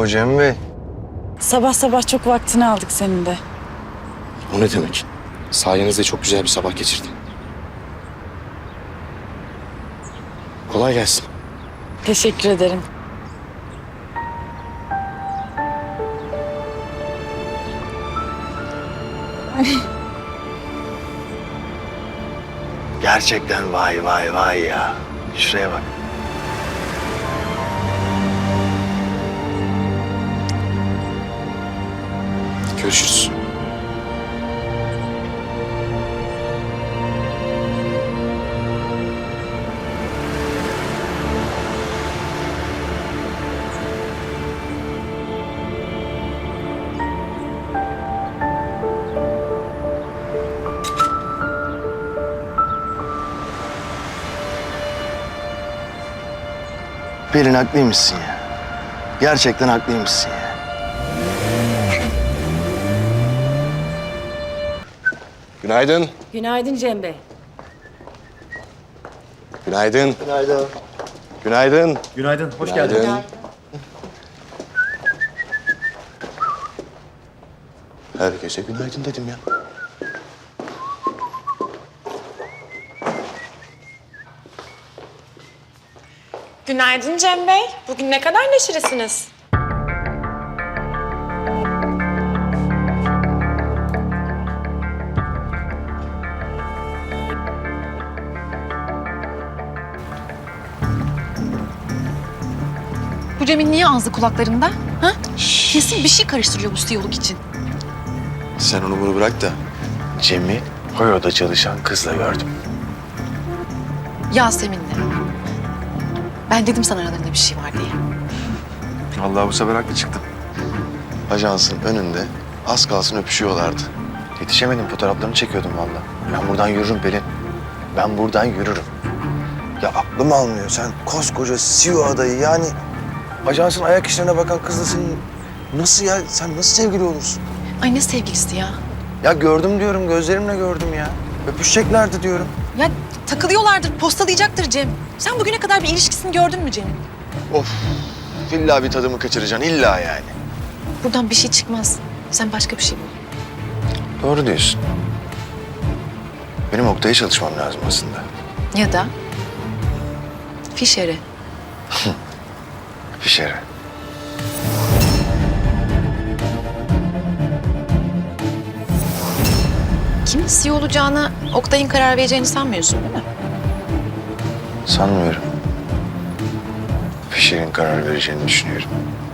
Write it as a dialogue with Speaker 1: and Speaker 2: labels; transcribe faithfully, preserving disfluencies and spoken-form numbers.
Speaker 1: Oo Cem Bey.
Speaker 2: Sabah sabah çok vaktini aldık senin de.
Speaker 3: O ne demek? Sayenizde çok güzel bir sabah geçirdim. Kolay gelsin.
Speaker 2: Teşekkür ederim.
Speaker 1: Gerçekten vay vay vay ya. Şuraya bak.
Speaker 3: Görüşürüz.
Speaker 1: Pelin haklıymışsın ya. Gerçekten haklıymışsın ya.
Speaker 3: Günaydın.
Speaker 4: Günaydın Cem Bey.
Speaker 3: Günaydın.
Speaker 1: Günaydın.
Speaker 3: Günaydın.
Speaker 5: Günaydın, hoş
Speaker 3: Günaydın.
Speaker 5: geldin.
Speaker 3: Herkese günaydın dedim ya.
Speaker 6: Günaydın Cem Bey. Bugün ne kadar neşelisiniz.
Speaker 7: Bu Cem'in niye ağzı kulaklarında? Ha? Kesin bir şey karıştırıyor bu siyoluk için.
Speaker 1: Sen onu bunu bırak da Cem'i Hoyo'da çalışan kızla gördüm.
Speaker 7: Yasemin'le. Ben dedim sana aralarında bir şey var diye.
Speaker 1: Vallahi bu sefer haklı çıktım. Ajansın önünde az kalsın öpüşüyorlardı. Yetişemedim, fotoğraflarını çekiyordum vallahi. Ben buradan yürürüm Pelin. Ben buradan yürürüm. Ya aklım almıyor. Sen koskoca C E O adayı yani ajansın ayak işlerine bakan kızla senin nasıl ya? Sen nasıl sevgili olursun?
Speaker 7: Ay ne sevgilisi ya.
Speaker 1: Ya gördüm diyorum, gözlerimle gördüm ya. Öpüşeceklerdi diyorum.
Speaker 7: Ya takılıyorlardır, postalayacaktır Cem. Sen bugüne kadar bir ilişkisini gördün mü Cem'in?
Speaker 1: Of, illa bir tadımı kaçıracaksın, illa yani.
Speaker 7: Buradan bir şey çıkmaz. Sen başka bir şey bul.
Speaker 1: Doğru diyorsun. Benim Oktay'a çalışmam lazım aslında.
Speaker 7: Ya da Fişer'e.
Speaker 1: Fişer'e.
Speaker 7: Kimin C E O olacağına Oktay'ın karar vereceğini sanmıyorsun değil mi?
Speaker 1: Sanmıyorum. Fişer'in karar vereceğini düşünüyorum.